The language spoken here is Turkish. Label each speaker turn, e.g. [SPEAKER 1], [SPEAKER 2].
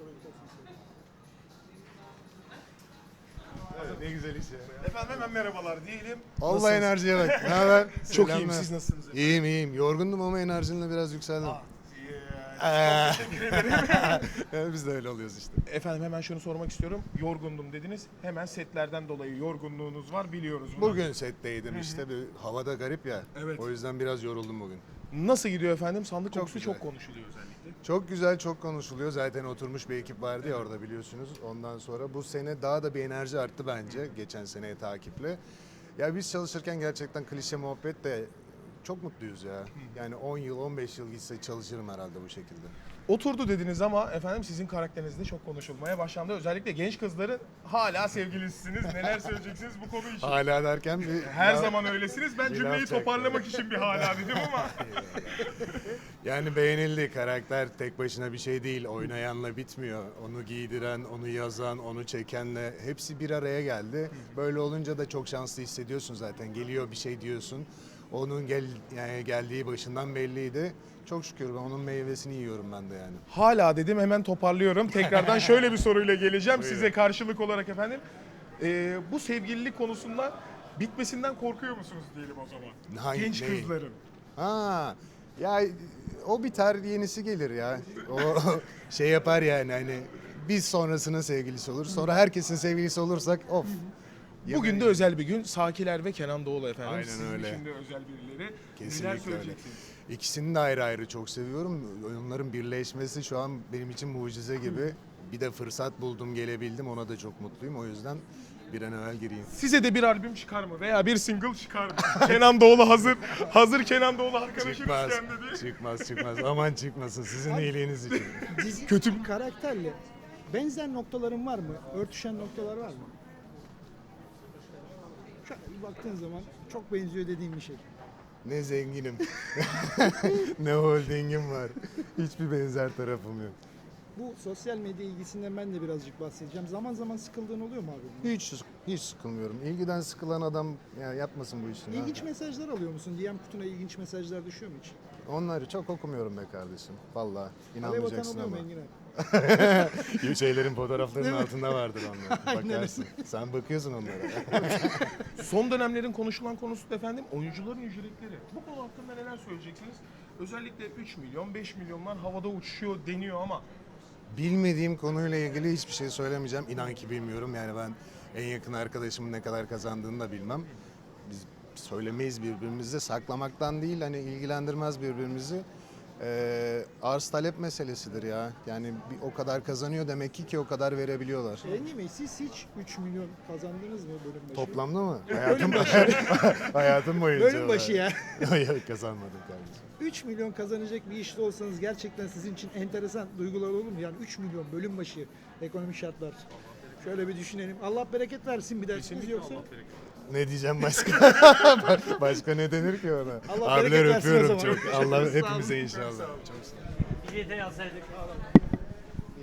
[SPEAKER 1] Evet, ne güzel iş ya.
[SPEAKER 2] Efendim hemen merhabalar diyelim.
[SPEAKER 1] Allah
[SPEAKER 2] Nasılsınız?
[SPEAKER 1] enerjiye bak. Ne haber?
[SPEAKER 2] Çok
[SPEAKER 1] Selamlar.
[SPEAKER 2] iyiyim. Siz nasılsınız efendim?
[SPEAKER 1] İyiyim iyiyim. Yorgundum ama enerjinle biraz yükseldim.
[SPEAKER 2] Çok teşekkür ederim.
[SPEAKER 1] Yani biz de öyle oluyoruz işte.
[SPEAKER 2] Efendim hemen şunu sormak istiyorum. Yorgundum dediniz. Hemen setlerden dolayı yorgunluğunuz var biliyoruz bunu.
[SPEAKER 1] Bugün setteydim işte. Bir havada garip ya.
[SPEAKER 2] Evet.
[SPEAKER 1] O yüzden biraz yoruldum bugün.
[SPEAKER 2] Nasıl gidiyor efendim? Sandık
[SPEAKER 1] Çok
[SPEAKER 2] kokusu
[SPEAKER 1] güzel.
[SPEAKER 2] çok konuşuluyor özellikle.
[SPEAKER 1] Çok güzel, çok konuşuluyor. Zaten oturmuş bir ekip vardı ya orada biliyorsunuz. Ondan sonra bu sene daha da bir enerji arttı bence geçen seneye takiple. Ya biz çalışırken gerçekten klişe muhabbet de çok mutluyuz ya. Yani 10 yıl, 15 yıl gitse çalışırım herhalde bu şekilde.
[SPEAKER 2] Oturdu dediniz ama efendim sizin karakteriniz de çok konuşulmaya başlandı. Özellikle genç kızların hala sevgilisiniz. Neler söyleyeceksiniz bu konu için?
[SPEAKER 1] Hala derken bir...
[SPEAKER 2] Her zaman öylesiniz. Ben cümleyi
[SPEAKER 1] yapacak?
[SPEAKER 2] toparlamak için bir hala dedim ama.
[SPEAKER 1] Yani beğenildi. Karakter tek başına bir şey değil. Oynayanla bitmiyor. Onu giydiren, onu yazan, onu çekenle hepsi bir araya geldi. Böyle olunca da çok şanslı hissediyorsun zaten. Geliyor bir şey diyorsun. Onun yani geldiği başından belliydi. Çok şükür ben onun meyvesini yiyorum ben de yani.
[SPEAKER 2] Hala dedim hemen toparlıyorum. Tekrardan şöyle bir soruyla geleceğim
[SPEAKER 1] Buyurun.
[SPEAKER 2] size karşılık olarak efendim. Bu sevgililik konusunda bitmesinden korkuyor musunuz diyelim o zaman?
[SPEAKER 1] Hangi-
[SPEAKER 2] Genç
[SPEAKER 1] neyi?
[SPEAKER 2] kızların.
[SPEAKER 1] Ha, ya o biter yenisi gelir ya. O şey yapar yani hani biz sonrasının sevgilisi olur. Sonra herkesin sevgilisi olursak of.
[SPEAKER 2] Bugün de özel bir gün. Sakiler ve Kenan Doğulu efendim.
[SPEAKER 1] Aynen
[SPEAKER 2] Sizin
[SPEAKER 1] öyle.
[SPEAKER 2] için de özel birileri. Neler
[SPEAKER 1] Kesinlikle öyle.
[SPEAKER 2] söyleyeceksiniz?
[SPEAKER 1] İkisini de ayrı ayrı çok seviyorum. Onların birleşmesi şu an benim için mucize gibi. Bir de fırsat buldum, gelebildim. Ona da çok mutluyum. O yüzden bir an evvel gireyim.
[SPEAKER 2] Size de bir albüm çıkar mı? Veya bir single çıkar mı? Kenan Doğulu hazır. Hazır Kenan Doğulu arkadaşınız
[SPEAKER 1] Çıkmaz,
[SPEAKER 2] kendi diye.
[SPEAKER 1] çıkmaz. Aman çıkmasın sizin iyiliğiniz için.
[SPEAKER 3] Dizi
[SPEAKER 2] Kötü bir
[SPEAKER 3] karakterle benzer noktaların var mı? Örtüşen noktalar var mı? Şöyle bir baktığın zaman çok benziyor dediğim bir şey.
[SPEAKER 1] Ne zenginim, ne holdingim var. Hiçbir benzer tarafım yok.
[SPEAKER 3] Bu sosyal medya ilgisinden ben de birazcık bahsedeceğim. Zaman zaman sıkıldığın oluyor mu abi?
[SPEAKER 1] Hiç sıkılmıyorum. İlgiden sıkılan adam ya yapmasın bu işini.
[SPEAKER 3] İlginç mesajlar alıyor musun? DM kutuna ilginç mesajlar düşüyor mu hiç?
[SPEAKER 1] Onları çok okumuyorum be kardeşim. Vallahi
[SPEAKER 3] Alev atan
[SPEAKER 1] inanmayacaksın
[SPEAKER 3] oluyor mu
[SPEAKER 1] ama.
[SPEAKER 3] Engin abi?
[SPEAKER 1] Şeylerin fotoğraflarının
[SPEAKER 3] Değil mi?
[SPEAKER 1] altında vardır onlar.
[SPEAKER 3] Aynen
[SPEAKER 1] Bakarsın. Sen bakıyorsun onlara.
[SPEAKER 2] son dönemlerin konuşulan konusu da efendim oyuncuların ücretleri. Bu konu hakkında neler söyleyeceksiniz? Özellikle 3 milyon, 5 milyonlar havada uçuşuyor deniyor ama
[SPEAKER 1] Bilmediğim konuyla ilgili hiçbir şey söylemeyeceğim. İnan ki bilmiyorum. Yani ben en yakın arkadaşımın ne kadar kazandığını da bilmem. Biz söylemeyiz birbirimize. Saklamaktan değil hani ilgilendirmez birbirimizi. Arz talep meselesidir ya. Yani o kadar kazanıyor demek ki o kadar verebiliyorlar.
[SPEAKER 3] Engin Bey siz hiç 3 milyon kazandınız mı bölüm başı?
[SPEAKER 1] Toplamda mı? Hayatım boyunca.
[SPEAKER 3] Bölüm başı ya.
[SPEAKER 1] Yok kazanmadım kardeşim.
[SPEAKER 3] 3 milyon kazanacak bir işte olsanız gerçekten sizin için enteresan duygular olur mu? Yani 3 milyon bölüm başı ekonomik şartlar. Şöyle bir düşünelim. Allah bereket versin bir dersiniz yoksa.
[SPEAKER 1] Ne diyeceğim başka? Başka ne denir ki ona?
[SPEAKER 3] Allah
[SPEAKER 1] Abiler
[SPEAKER 3] bereket versin o
[SPEAKER 1] öpüyorum
[SPEAKER 3] zaman.
[SPEAKER 1] çok. Allah
[SPEAKER 3] Sağ olun.
[SPEAKER 1] hepimize inşallah. Çok sağ olun.
[SPEAKER 4] Bilete yazsaydık.